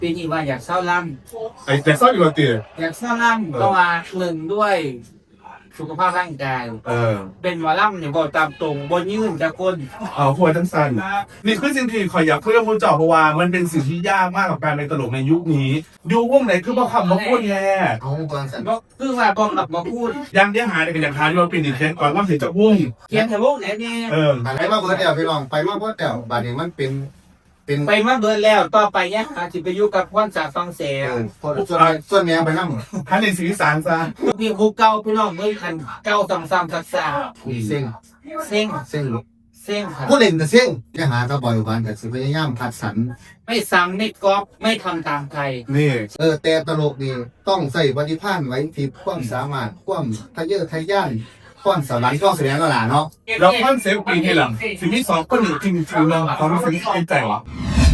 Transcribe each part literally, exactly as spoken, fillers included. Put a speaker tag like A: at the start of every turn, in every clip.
A: ปีนี้ว่าอยากเศร้าล่
B: ไอ้แต่ซ่อนอยู่กับเตี๋ย
A: ำอยากเศร้าล่ำก็ว่าหนึ่งด้วยสุขภาพร่างกาย
B: เออ
A: เป็นหมอล่ำเนี่ยบอกตามตรงบนยืนจากคน
B: เอาหัวทั้งสั้นนี่คือสิ่งที่ขอยอยากคุยกับคุณเจ้าเพราะว่ามันเป็นสิ่งที่ยากมากกับการเป็นตลกในยุคนี้ยุควงไหนคือบ่คำบ่พูดแย่
C: เอาตอนสัน
A: ก็คือว่าบอกกับมาพูด
B: ยังเดี๋ยวหาในกันอย่างทานที่ว่าปีนี้เช่นก่อนว่าสิจะพุ่ง
A: เขียนแต่วงไหนเนี่ย
B: เออ
C: ไปมาเบิร์ดเดี่ยวพี่น้องไปมาเบิร์ดเดี่ยวบาดนี้มันเป็นเป็น
A: ไปมาเบิดแล้วต่อไปเนี่ยอาจจะไปอยู่กับพ่อนจากฟังเสีย
C: เอง อส่วนส่วนแม่ไปนั่ง
B: ท่านในสีสารซะ
A: มีครูเก่าพี่น้องเมื่อคันเก่าซ้ำๆซัก
C: เซ็ง
A: ๆเซ็ง
C: เซ็ง
A: เซ็งค่ะ
C: ผู้เล่นแต่เซ็งจะหาตะบอยวันแต่สิพยายามคัดสรร
A: ไม่ซ้ำไม่ก๊อปไม่ทำตามใคร
B: นี่
C: เออแต่ตลกนี่ต้องใส่ปฏิภาณไว้ที่ความสามารถความทะเยอทะยานความสวรรค์ก็แสดงก็หล่ะเนาะ
B: แล้วคอนเซปต์ปีที่หลังสิ่งที่สองก็หนึ่งจริงจริงเราความรู้สึกในใจวะ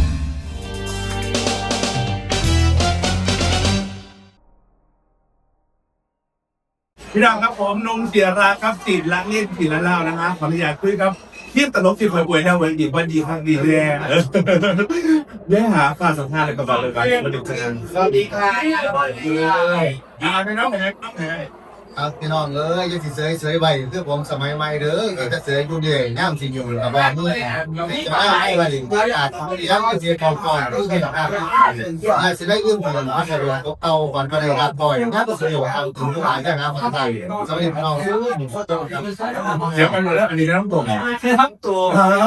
B: พี่น้องครับผมนุ่มเสียราครับจิตรักเล่นจิตละเล่านะครับขออนุญาตคุยครับเทียบตลกที่เคยป่วยแถวเวดีวันดีครั้งดีแน่ได้หาค่าสัมภาษณ์อะไรกับเราเลยกันมาดูกัน
A: สวัสดีค่ะ
B: อ่าพี่น้องเห็นน้องเห็น
C: ครับพี่น้องเอ้ยยังสิเสยเสยใบคือผมสมัยใหม่เด้อเออจะเสยอยู่เดียวย่ามสิอยู่กับบ้านนี่จะมาให้ว่าดิอาจทำยังก็เสียก่อนก่อนคือเห็นอ่ะอาจจะได้ยืมเงินมาแต่ว่าเก่าก่อนก็ได้รับบ่อยนะก็เสียว่าเอาถึงหลายอย่างนะคนไทยสมัยพี่น้อง
B: เสียไปหมดแล้วอันนี้น้ำตก
A: ทั้งตัว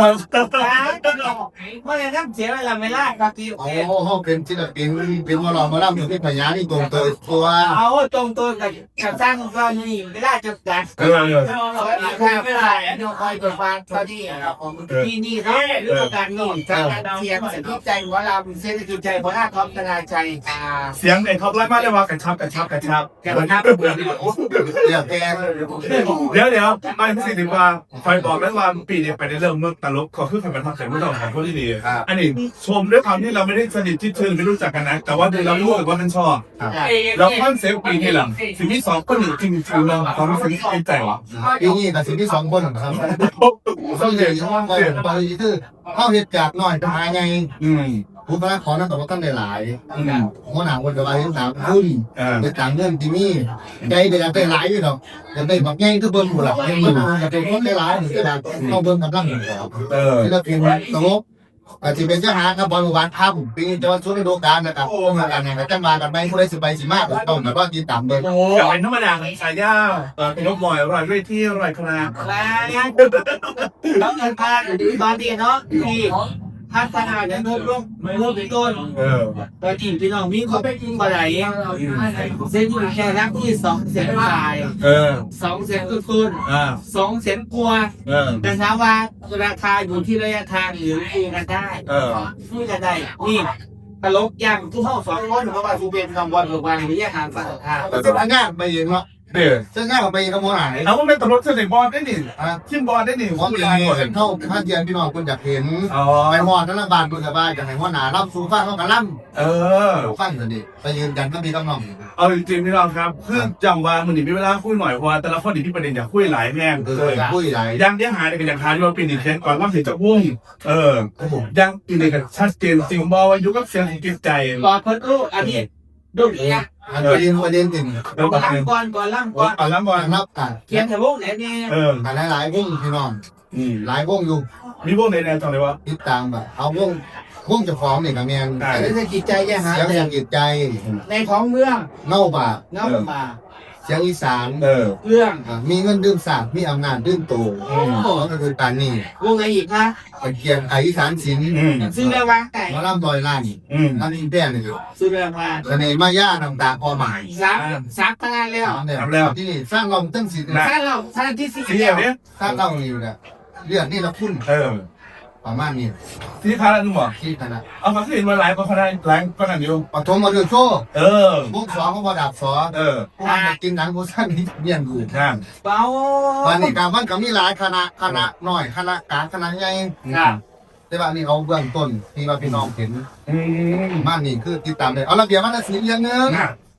A: ไม่ได้ทั้งเสียเวลาไม่ล่าก็คือ
C: โอ้โหเป็นศิลปินเป็นวอลล์มาล่ำอยู่ที่พญานี่ตรงตัวตัว
A: เอาตรงตัวกับกับสร้างก็นี่ไม่ได้จับกัน
B: เออเออ
A: ไม่ได้เดี๋ยวคอยเปิดฟังเท่าที่ที่นี่เขาเรื่องการโน่นจากการเสียงเสียงใจหัวเราเสียงจิตใจหัวหน้าท็อปธนาชัยอ่า
B: เสียงไอ้ท็อปไลน์มาได้ว่ากระชับกระชับกระชับ
A: แกมันน่าเบื่อ
C: เรียกแก
B: เดี๋ยวเดี๋ยวไม่ไม่สิถึงว่าคอยบอกแล้วว่าปีนี้ไปในเรื่องเมื่อตลกก็คือใครเป็นทางเสียงไม่ต้องของคนที่ดีอันนี้ชมด้วยความที่เราไม่ได้สนิทที่เชิงไม่รู้จักกันนะแต่ว่าดูเรารู้สึกว่ามันชอบแล้วคอนเซปต์ปีที่หลังสิ่งที่สองก็หนึ่งจริงจริงเราความรู้สึกในใจวะ
C: ปีนี้แต่สิ่งที่สองคนครับต้องเรียนว่าไปไปคือเข้าเหตุจากหน่อยหาไง
B: อืม
C: ผู้พระขอนั่งกับว่าท่านได้หลายหัวหน้าคนกับอะไรทั้งสามขึ้นในต่างเรื่องที่นี่ใจเดี๋ยวได้หลายอยู่หรอกจะได้แบบง่ายก็เบิ้ลหมดหลักยังอยู่จะเป็นคนได้หลายหรือจะเข้าเบิ้ลกำลังอยู่ครับ
B: เออ
C: ที่เราเป็นตลกอาจจะเป็นเจ้าหาครับบอลวานภาพปีนี้จะวันช่วงฤดูกาลนะครับโอ้งานงานจะมากันไหมผู้ใดสิไปสิมากต้องแบบว่าติดตามเบิ้ล
B: กับเป็นธรรมดาของสายย่าเออเป็นนกมอยอร่อยด้วยที่อร่อยขนาด
A: แล้วต้องเงินพาตอนดีเนาะที่พัฒนาเนี่ยเพิ่มร่วมเพิ่มเป็นต้น
B: เออ
A: ตอนที่พี่น้องมีเขาไปกินบ่ไหลเส้นอยู่แค่รักที่สองแสนปลาย
B: เออ
A: สองแสนขึ้น
B: อ่า
A: สองแสนกว่า
B: เออ
A: แต่ถามว่าราคาอยู่ที่ระยะทางหรือคุยกันได้
B: เออ
A: คุยกันได้นี่ตลกอย่างทุกห้องสองคนเพราะว่าทุเป็นคำวันหรือวันระยะทางฝั่งทาง
C: แต่จะงานไปเองเนาะ
B: เดี๋ยว
C: จะงานไปเองกับหัวหน้า
B: เอาว่าเป็นตำรวจเสด็จบอลได้หนิ
C: อ่ะ
B: ทีมบอลได้หนิ
C: ผมอยากเห็นเท่าท่านเทียนพี่น้องคุณอยากเห็น
B: อ๋อ
C: ไปหอดทั้งบ้านคุณกับบ้านอยากเห็นหัวหน้าล่ำสูฟ้าเขากันล่ำ
B: เออ
C: ฟังสิดิไปยืนยันก็มีกำลัง
B: เอาจริงๆพี่น้องครับคือจังว่ามันนี่มีเวลาคุยหน่อยเพราะว่าแต่ละคนนี่ที่ประเด็นอยากคุยหลายแม่ง
C: เออคุยไหล
B: ยังเดี๋ยวหาในกันอย่างทานที่ว่าปีนี้เช่นก่อนว่าสิจะพุ่งเออยังปีนี้กันชัดเจนจริงบอกว่ายุคกับเสียงจิตใจ
A: ก่อนเพิ่นรู้อันนี้ดุเนี่ย
C: อันประเด็นประเด็นจริง
B: แล้ว
A: ก่
B: ก็
A: อนก่อนก่อนล่ำก่อน
B: ก่อนแล้วบอล
C: นับกัน
A: เขียนแต่วงไหนเนี่ย
B: เออ
C: กันหลายๆวงพี่น้อง
B: อืม
C: หลายวงอยู่
B: มีพวกในแนวจังเลยวะ
C: ติดตามแบบเอาวงวงเจะฟ้าของนี่กับแมน
A: อันนี้คือจิตใจแย่หา
C: เสียงอย่างจิตใจ
A: ในท้องเมือง
C: เน่าป่า
A: เงาป่า
C: เสียงอีสาน
B: เออ
A: เรื่อง
C: อ่ะมีเงินดื่มสาบมีอำนาจดื่มโตก็คือการนี่
A: วงไหนอีกนะ
C: ตะเกียงไออีสานศิลป์
B: อืม
A: ซื้อเรื่องวางไก่
C: มาล่ำลอยล้าน
B: อืม
C: อันนี้แป้นี่อยู่
A: ซื้อเรื่องวาง
C: เสน่ห์มาย่าต่างๆพอหมาย
A: ซักซักตั้งนานแล้ว
C: เนี่ยที่นี่สร้างเราตั้งสิทธิ์
A: สร้างเราสร้างที่สี่
B: สีอย่างเนี้ย
C: สร้างเราอยู่เนี่ยเรื่องนี่เราคุ้น
B: เออ
C: ประมาณนี้
B: สีคารานุ่มเหรอ
C: ที่ขนาด
B: เอามาขึ้นมาหลายก็เขาได้หลายก็นั่นอยู่
C: ปฐมมาเดือดโชว์
B: เออ
C: บุกสองเขาบอดับสอ
B: เออ
C: พวกมันกินหนังโบสั้นนี่เมี่ยงกู
B: นั่น
A: เบา
C: วันนี้การมันก็มีหลายคณะคณะน้อยคณะกลางคณะใหญ่
A: ค่ะ
C: แต่ว่านี่เอาเบื้องต้นที่ว่าพี่น้องเห็น
B: อืม
C: บ้านนี่คือติดตามเลยเอาระเบียบวัฒนศิลป์อย่างหนึง
B: น่ะ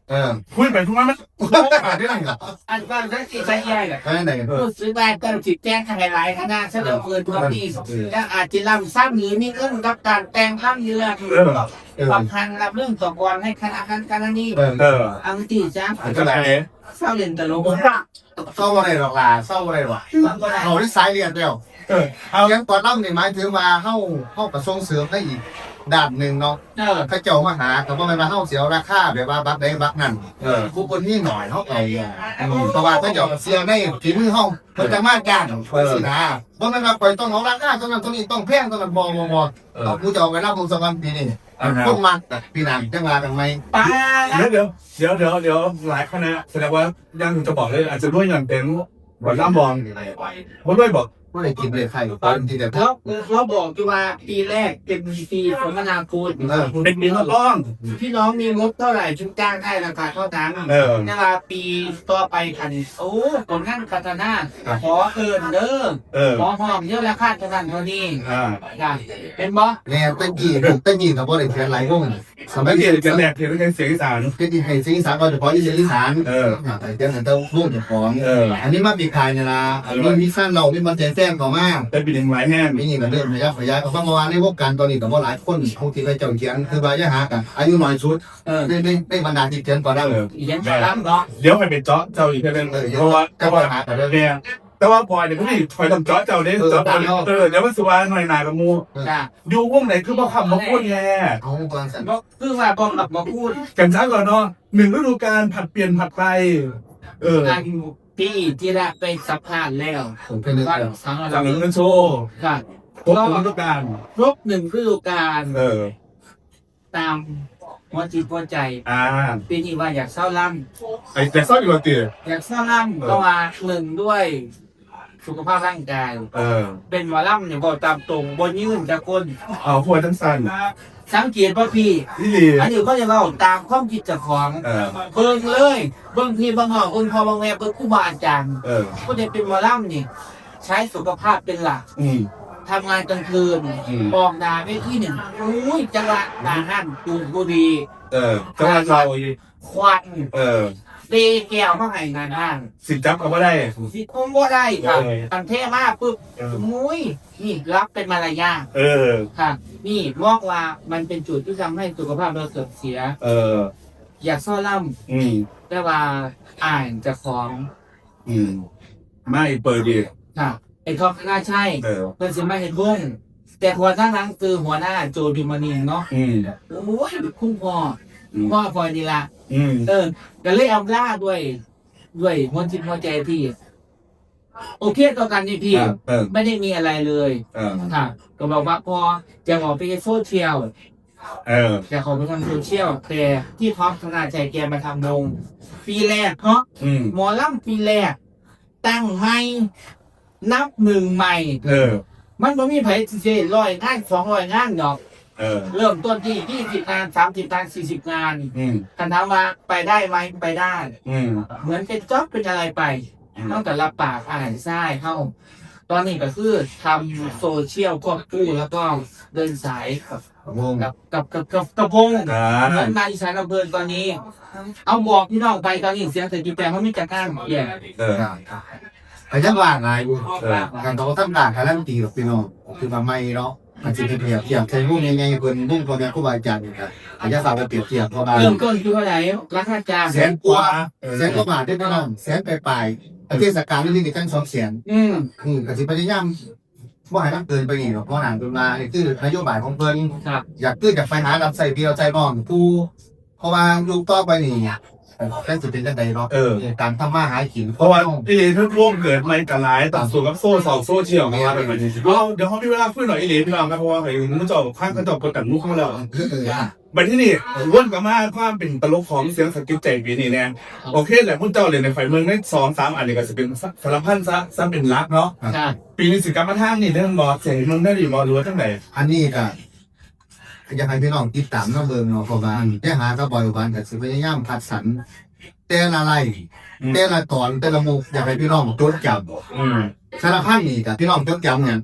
C: เออ
B: คุยไปทุกวันมันขาดได้ไง
A: อันว่าได้สิใช้แย่เลย
C: ก็นั่นเอง
A: ผู้ซื้อได้ก็จิตแจ้งทางหลายๆคณะเสนอเกินตัวที่และอาจจะลำซ้ำหรือมีเรื่องกับการแต่งข้ามเรือสำคัญรับเรื่องสกรให้คณะคณะนี้
C: เออ
B: เออ
A: อังตีจ้า
B: ก็ไหน
A: เศร้าเรียนตลก
C: เศร้าอะไรหรอกล่ะเศร้าอะไรหรอกเขาได้สายเรียนเดียว
B: เออเอา
C: ยังตอนนั้นนี่หมายถึงมาเข้าเข้ากระทรวงเสริมได้อีกด้านหนึ่งเนาะ
A: เออ
C: ถ้าเจ้ามาหาแต่ว่ามันมาเข้าเสียราคาแบบว่าบักได้บักนั่น
B: เออ
C: ผู้คนนี่หน่อยเขาเอาเพราะว่าถ้าเจ้าเสียได้ฝีมือห้องมันจะมากกันสินะเพราะมันมาปล่อยต้องเอาราคาตรงนั้นตรงนี้ต้องแพงตรงนั้นบอบอบอเอาผู้เจ้าไปรับวงสวรรค์ปีนี้พวกมันปีหนังจะมาทำไม
A: ป้า
B: เดี๋ยวเดี๋ยวเดี๋ยวเดี๋ยวเดี๋ยวหลายคณะแสดงว่ายังจะบอกเลยอาจจะด้วยอย่างเต็มบอลล่ามบอลเพราะด้วยบอก
C: ไม่ได้กินเลยใครตอนที่เดียว
A: เขาเขาบอกที่ว่าปีแรกเป็นปีสมนาคุณ
B: เป็นมีทดลอง
A: พี่น้องมีงบเท่าไหร่ชุดจ้างได้ราคาเท่านั้น
B: เออ
A: เวลาปีต่อไปคันโอ้ผลงานพัฒนาขอเอินเด้อ
B: เออ
A: ขอหอมเยอะแล้วค่าเท่านั้นเท่านี้
B: อ่า
A: ค่ะเป็นบ่
C: เนี่ยเป็นกี่เป็นกี่กับว่าได้เขียนหลายวงสมั
B: ไม่
C: ย
B: เกี่
C: เรี
B: ย
C: ยน
B: วกับแหลกเกี่ยวกับเสียงอีสาน
C: เป็นกี่ให้สิ่งสารก็เฉพาะที่เสียงอีสาน
B: เออ
C: แต่เจ้าหน้าที่วงเจ้าของ
B: เออ
C: อันนี้มาปีคายเนี่ยนะอันนี้มีสั้นเราไม่มาแจ้งแจ้งต่อมา
B: เป็นปีหนึ่งหลายแห้ง
C: ไม่นี่ก็เริ่มระยะระยะก็เมื่อวานในวงการตอนนี้ก็ว่าหลายคนผู้ที่ไปเจ้าเขียนคือว่ายะหากันอายุน้อยสุด
A: เออ
C: ได้ได้ได้บรรดาที่เขียนก็ได้เลย
A: อีกอย่างนั้นเนาะ
B: เดี๋ยวไปเป็นเจาะเจ้าอีกแค่นึงเพราะว่า
C: ก็ว่าหาแต่เรื่อง
B: เนี่ยแต่ว่าพอเนี่ยพี่ถอยทำเจาะเจ้าเนี่ยเจาะเออเดี๋ยวมันสุวรรณหน่อยหนากับมู
A: จ้ะ
B: ดูวงไหนคือบ่คำบ่พูดแย่
C: เอาตอนสัน
A: ก็คือว่าบอกกับมาพูด
B: กันช้าก่อนเนาะหนึ่งฤดูกาลผัดเปลี่ยนผัดไปเออ
A: การพี่ที่ได้ไปสัมภาษณ์แล้ว
C: ผมเป็นเรื่อง
A: ก็
C: เดียว
A: สัง
B: จาก
A: เรา
B: หนึ่งเป็นโชว์
A: ค่ะ
B: ครบฤดูกาล
A: ครบหนึ่งฤดูกาล
B: เออ
A: ตามหัวจิตหัวใจ
B: อ่า
A: ปีนี้ว่าอยากเศร้าล่
B: ไอ้แต่ซ่อนอยู่กับตี
A: ำอยากเศร้าล่ำก็ว่าหนึ่งด้วยสุขภาพร่างกาย
B: เออ
A: เป็นหมอล่ำเนี่ยบอกตามตรงบนยืนจากคน
B: เอาพวกทั้งสั้น
A: สังเกตว่าพี่
B: นี่ดี
A: อันนี้ก็จะเล่าตามความคิดเจากของ
B: เออ
A: เบิ่งเลยเบิ่งพี่เบิ่งหอคุณพ่อบางแม่เบิ่งครูบาอาจารย์
B: เออ
A: ก็จะเป็นหมอล่ำนี่ใช้สุขภาพเป็นหลัก
B: อืม
A: ทำงานกลางคืน
B: อืม
A: ออกดาไปที่หนึ่งอุ้ยจังหวะดาหันจูนบุรี
B: เออจังหวัดเรา
A: ควัน
B: เออ
A: เตะแก้วมาให้งานห้าง
B: สิจับก็ไม่ได้
A: สิคงบ่ได้ค่ะ
B: เออ
A: อันเท่มากปุ๊บ
B: เออ
A: มุ้ยนี่รับเป็นมารยาท
B: เออ
A: ค่ะ นี่บอกว่ามันเป็นจุดที่ทำให้สุขภาพเราเสื่อมเสีย
B: เออ
A: อยากซ่อล่
B: อืม
A: ำแต่ว่าอ่านจะของ
B: อืม ไม่เปิดดี
A: ค่ะไอ้ทองน่าใช่
B: เออ
A: เพื่อนสิมาเห็นวงแต่หัวหน้านั้นคือหัวหน้าโจพิมณีเนาะ
B: อืม
A: โอ้ยคุณพ่อ
B: อืม
A: พ่อพลอยดีละ
B: อืม
A: เออก็เลยเอาล่าด้วย ด้วยหัวจิตหัวใจพี่ โอเคต่อกันนี่พี่
B: เออ
A: ไม่ได้มีอะไรเลย
B: เออ
A: ค่ะ ก็บอกว่าพอจะออกไปโซเชียล
B: เออ
A: จะขอไปทำโซเชียลแต่ที่ท็อปธนาใจแกมาทำวงปีแรกเพราะ
B: อืม
A: หมอลำปีแรก ตั้งไม่นับหนึ่งใหม่
B: เออ
A: มันไม่มีไผเจร้อยงานสองร้อยงานดอก
B: เออ
A: เริ่มต้นที่ยี่สิบงานสามสิบงานสี่สิบงาน
B: อืม
A: คันถามว่าไปได้ไหมไปได้
B: อืม
A: เหมือนเป็นจ็อบเป็นอะไรไปต้องแต่ละปากอ่านไส้เข้า ตอนนี้ก็คือทำโซเชียลควบคู่แล้วก็เดินสายกับ
C: วง
A: กับกับกับกับกระพง
B: อ่า
A: เหมือนมาอีสานอำเภอตอนนี้ เอาบอกพี่น้องไปตอนนี้เสียงเศรษฐกิจแปลงเขาไม่จัดการแย่
B: เออ
C: แต่ยังว่างไงอยู่การเขาตั้งด่านการันตีกับพี่น้องคือมาไม่เนาะมันจะเปรียบเทียบใช้พวกยังไงเพิ่นพวกตัวนี้ครูบาอาจารย์ครับอาจจะฝากไปเปรียบเทียบเพราะว่า
A: เริ่มต้นคือเท่าไหร่ราคาจ้าง
C: แสนกว่าแสนกว่าบาทได้พี่น้องแสนไปปลายเทศกาลนี่นี่กันสองแสน
A: อืม
C: อืมก็สิพยายามว่าให้มันเกินไปอีกเพราะหนังเป็นมานี่คือนโยบายของเพิ่น
A: ครับ
C: อยากขึ้นจากไฟหารับใส่พี่เราใจน้องผู้เพราะว่าลูกต่อไปนี่แค่สุดเป็นจังใดเนาะ
B: เออ
C: การทำมาหากิน
B: เพราะว่าอีหลีทุกร่วมเกิดไม่กันหลายต่างส่วนกับโซ่สองโซ่เชี่ยวมาเป็นแบบนี้เดี๋ยวเดี๋ยวเขามีเวลาพูดหน่อยอีหลีพี่น้องครับเพราะว่าไอ้มุ้งจอบข้างกระจกกระตันมุ้งเข้ามาแล้ว
C: เออ
B: ไปที่นี่วนกับมาความเป็นตลกของเสียงสกิปใจปีนี้เนี่ยโอเคแหละมุ้งเจ้าเลยในไฟเมืองได้สองสามอันนี้ก็จะเป็นสารพันซะซ้ำเป็นรักเนาะ
A: ค่ะ
B: ปีนี้สิกรรมท่างนี่เรื่องบอสเสียงมึงได้ดีบอรู้ทั้งไหน
C: อันนี้ก็อยากให้พี่น้องติดตามน้องเบิ่งเนาะเพราะว่าได้หาก็บ่อยวันก็สิพยายามคัดสรรแต่ละไร่แต่ละตอนแต่ละมุกอยากให้พี่น้องจดจำ
B: อืม
C: สารพันนี่กับพี่น้องจดจำเนี่ย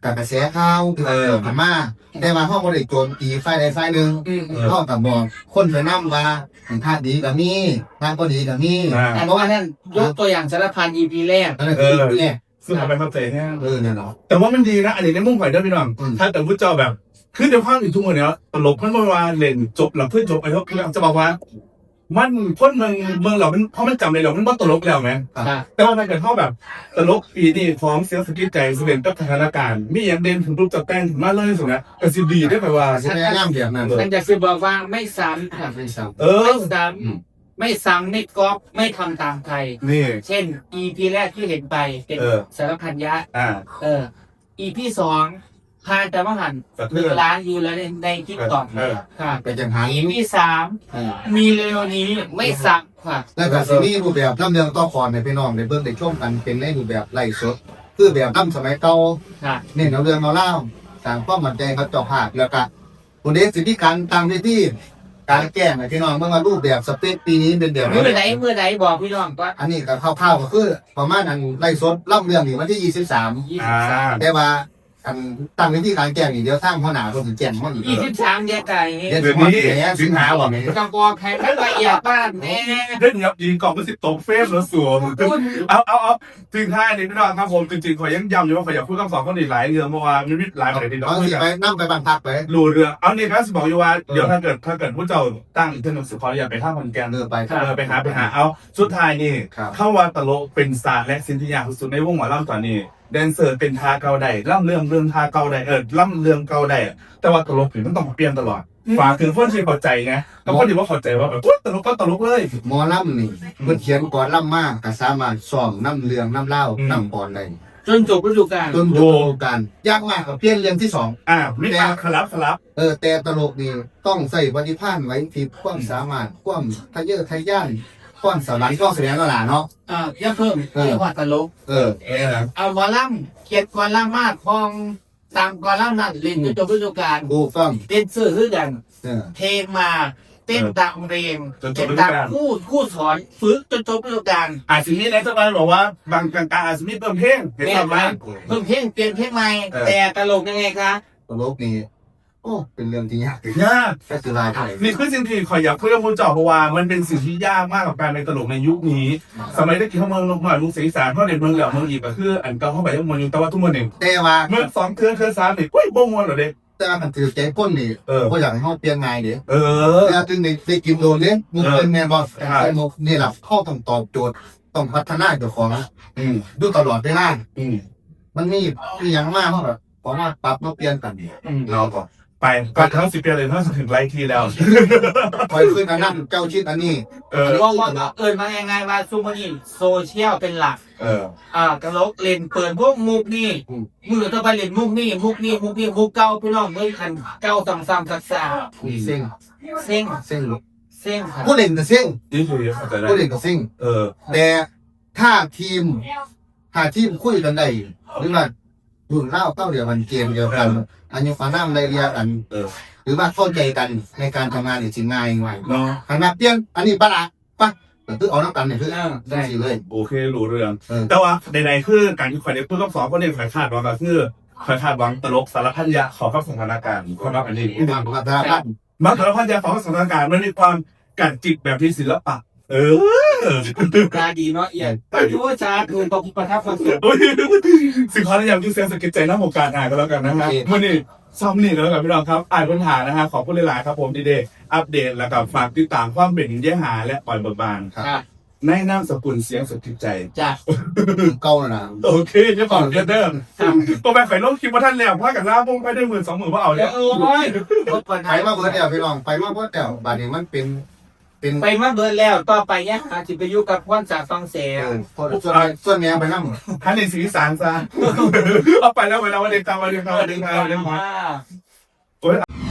C: กับกระแสข่าวเออผ่านมาแต่ว่าห้องบริโจมตีฝ่ายใดฝ่ายหนึ่งห้องกับบอกคนไปนั่งว่าท่าดีกับมีท่าก็ดีกับมี
A: แต่เพราะว่านั่นยกตัวอย่างสารพัน อี พี แรก
C: นั่นคือเนี่ย
B: ซึ่งเอาไปเข้าใจแค่
C: เออเนี่ยเนาะ
B: แต่ว่ามันดีนะอันนี้ในมุ่งข่อยเด้อพี่น้องถ้าแต่ผู้เจ้าแบบคือเดี๋ยวข้างอีกทุกคนเนี้ยตลกมันเมื่อวานเล่นจบหลังเพื่อนจบไปแล้วคือจะบอกว่า มันคนเมืองเมืองเรามันเพราะมันจำเลยเรามันว่าตลกแล้วไหมแต่ว่าถ้าเกิดเขาแบบตลกปีนี้ฟ้องเสียสกิจใจเสด็จกับสถานการณ์มีอย่างเด่นถึงรูปจับแป้งถึงมาเลยสุดนะก็สิดีได้ไปว่า
C: ใช่ไหมงามเดียบนั่น
A: มันจะคือบอกว่าไม่ซ้ำค่ะ
C: ไม่ซ้
B: เอ
A: ไม่
B: อ
A: ซ้ำไม่ซ้ำไม่ก๊อปไม่ทำตามใคร
B: นี่
A: เช่น อี พี แรกที่เห็นไปเป็น
B: เออ
A: สารพันยะ
B: อ่า
A: เออ อี พี สองพานแต่ว่าหัน
B: กระ
A: ห
B: เทื
A: นึ่ง
B: อน
A: ล้านยูแล้วในในคลิปต่อ
B: เออ
A: ค่ะ
C: ำไปจังหัน
A: อี พี สามมีเร็วนี้ไม่ซ้ำค่ะ
C: แล้วก็ซีรีส์รูปแบบลำเรืองต่อคอนในพี่น้องในเบื้องในช่วงกันเป็นในรูปแบบไล่สดคือแบบลำสมัยเก่า
A: ค่ะ
C: เนี่ยเราเรื่องเราเล่าต่างความมั่นใจเขาเจาะภาคแล้วก็คนเด็กสิทธิการตามที่ที่การแก้งพี่น้องเมื่อมารูปแบบสเปคปีนี้เป็นแบบ
A: เมื่อไหนเมื่อไหนบอกพี่น้องว่า
C: อันนี้ก็คร่าวๆก็คือประมาณนั้นไล่สดล่ำเรื่องนี่วันที่ยี่สิบสาม
A: ยี่
B: อ่า
A: สิบสาม
C: แต่ว่าอันตั้งวิธีการแก้งนี่เดียวสร้างพ่อหนาคนถึงแก่นพ่ออีก
A: ยี่สิบสามแยกไก่
C: เดือน
B: เดี๋ยว
C: นี้
B: นี้สิงหาบอก
A: จังกอแข่งขันละเอียดบ้านแน่
B: เล่นยับยิงกล่องก็สิตกเฟมแล้วสวมเอาเอาเอาถึงท้ายนี้พี่น้องครับผมจริงๆขอยังย้ำอยู่ว่าขออยากพูดคำสอนคนอีกหลายเรื่องเมื่อวานมีหลายประเด็นที่น้อง
C: บาง
B: คุ
C: ที
B: ยกัน
C: ไปนั่งไปบันพักไป
B: รู้เรื่องเอานี่ครับสบอกอยู่ว่าเดี๋ยวถ้าเกิดถ้าเกิดผู้เจ้าตั้งอีกเรื่องหนึงสิขออย่าไปท่าคนแกน
C: เดินไป
B: เออไปหาไปหาเอาสุดท้ายนี่
C: ครับ
B: เข้าว่าตลกเป็นศาสตร์และศิลปะสุดในวงหมอลำตอนนี้แดนเซอร์เป็นทาเก่าใดล่ำเรื่องเรื่องทาเก่าใดเออล่ำเรื่องเก่าใดแต่ว่าตลกถึงมันต้องเปลี่ยนตลอดฝากถึงเพื่อนที่เข้าใจไงแล้วก็ดีว่าเข้าใจว่าแบบอุ๊ยตลกก็ตลกเลย
C: หมอล่ำนี่เพื่อเขียนก่อนล่ำมากก็สามารถสอนน้ำเรืองน้ำเล่าน้ำปอนได้
A: จนจบฤดูกาล
C: จนจบการยากมากกับเพี้ยนเรื่องที่สอง
B: อ่ามิตรคลับคลับ
C: เออแต่ตลกนี่ต้องใส่ปฏิภาณไว้ที่ความสามารถความทะเยอทะยานความสวรรค์ความแสดงก็หลาเนาะ
A: อ่าอย่าเพิ่มเรียกว่าตลก
C: เออ
B: เออ
A: เอาวอลลัมเขียนกอลัมมากพองตามกอลัมนั่นเล่นจนจบฤดูกาล
C: ดูฟัง
A: เต้นซื้อคือกัน
C: เออ
A: เพลงมาเต้นตามเพลงเต้นตามคู่คู่สอนฝึกจนจบฤดูกาล
B: อาจจะมีในสักวันบอกว่าบางกลางๆอาจจะมีเพิ่มเพลงเห็นไหม
A: เพิ่มเพลงเปลี่ยนเพลงใหม่แต่ตลกยังไงคะ
C: ตลกนี่โอ้เป็นเรื่องที่ยาก
B: ยาก
C: แค่คือลายไทย
B: นี่คือสิ่งที่ขอยอยากคุยกับผู้เจ้าเพราะว่ามันเป็นสิ่งที่ยากมากกับการเป็นตลกในยุคนี้ สมัยที่เขาเมืองลงมาลุงศรีสารเพราะในเมืองเหล่าเมืองอีกก็คืออันเก่าเข้าไปยังเมืองอยู่แต่ว่าทุกเมืองหนึ่ง
C: แต่ว่า
B: เมื่อสองเทือนเทือนสามนี่อุ้ยบ่งวนเหรอเด็ก
C: แต่ว่ามันถือใจก้นนี่
B: เออ
C: ก็อยากให้เขาเปลี่ยนไงเดี๋ยว
B: เออ
C: แต่จึงในได้กินโดนเนี่ยมุกเป็นแมนบอลแต่มุกนี่แหละข้อต้องตอบโจทย์ต้องพัฒนาตัวของ
B: อืม
C: ดูตลอดเวลา
B: อืม
C: มันมีมีอย่างมากเขาแบบพอมาปรับมาเปลี่ยนกัน
B: อืมเราก่อนไปก็ทั้งสิบปีเลยทั้งถึงไลค์ทีแล้ว
C: คอยขึ้นอันนั้นเจ้าชิดอันนี้
B: เออ
A: ว่าว่าเอิญมายังไงว่าซูมอนี่โซเชียลเป็นหลัก
B: เออ
A: อ่ากระลกเล่นเปิดพวกมุกนี่มือต่อไปเล่นมุกนี่มุกนี่มุกนี่มุกเก่าพี่น้องเมื่อคันเก่าซ้ำซ้ำซักซา
C: เซ็ง
A: เซ็ง
C: เซ็ง
A: เซ็งค่ะ
C: ผู้เล่นก็เซ็ง
B: นี่คือเข้าใจได้
C: ผู้เล่นก็เซ็ง
B: เออ
C: แต่ถ้าทีมถ้าทีมคุยกันได้หรือว่ารุ่นเล่าเต้าเดียวกันเกมเดียวกันอันนี้ฟ้าน้ำไรเรียกัน
B: เออ
C: หรือว่าเข้าใจกันในการทำงานเนี่ยจริงง่ายง่าย
B: เนาะ
C: ขนาดเปลี่ยนอันนี้ปะละปะแต่คือเอาน้ำกันเนี่ยคือ
A: อ่า
C: ได้
A: ได้
C: สิเลย
B: โอเครู้เรื่อง
C: เออ
B: แต่ว่าใดๆคือการที่ข่อยได้พูดกับสองคนเนี่ยข่อยคาดหวังก็คือข่อยคาดหวังตลกสารพันยะขอเข้าสถานการณ์คนรับอันนี้
C: ที่มาพัฒนาพัฒน์
B: มาสารพันยะขอเข้าสถานการณ์มันมีความกัดจิตแบบที่ศิลปะ เออ
A: ตาดีเนาะเอียดไปดูว่าจ้าคือตกประทับความสุข
B: โอ้ยสิ่งขอแนะนำที่เซนสกิจใจน้ำหกการอ่านก็แล้วกันนะฮะมื่อนี้ซ้ำนี่ก็แล้วกันพี่น้องครับอ่านปัญหานะฮะขอบคุณหลายๆครับผมดีเดย์อัปเดตแล้วก็ฝากติดตามความเป็นแย่หาและปล่อยเบิกบาน
C: ครับ
A: ค่ะ
B: ในนามสกุลเสียงสกิจใจ
A: จ้ะ
C: เก่าแล้วนะ
B: โอเคจะฝากเดิมตัวแม่ไข่ลงคลิปว่าท่านแล้วว่ากันล่าพงไปได้หมื่นสองหมื่นว่าเอา
A: เดี๋
B: แล้
A: ยว
B: ว
A: โอ้ยรถปัญ
C: ไป
A: หา
C: มาเบิร์ดเดียวพี่น้องไปมาเบิร์ดเดียวบาดนี้มันเป็นเป็น
A: ไปมาเบิดแล้วต่อไปเนี่ยอาจจะไปอยู่กับพ่อนจากฟังเสีย
C: เออพอส่วนส่วนแม่ไปนั่ง
B: ท่านในสีสารซะเอาไปแล้วไปแล้ววันเด็กตามวันเด็กตามวันเด็กตามวันเด็กตาม
A: อ่า
B: โอ้ย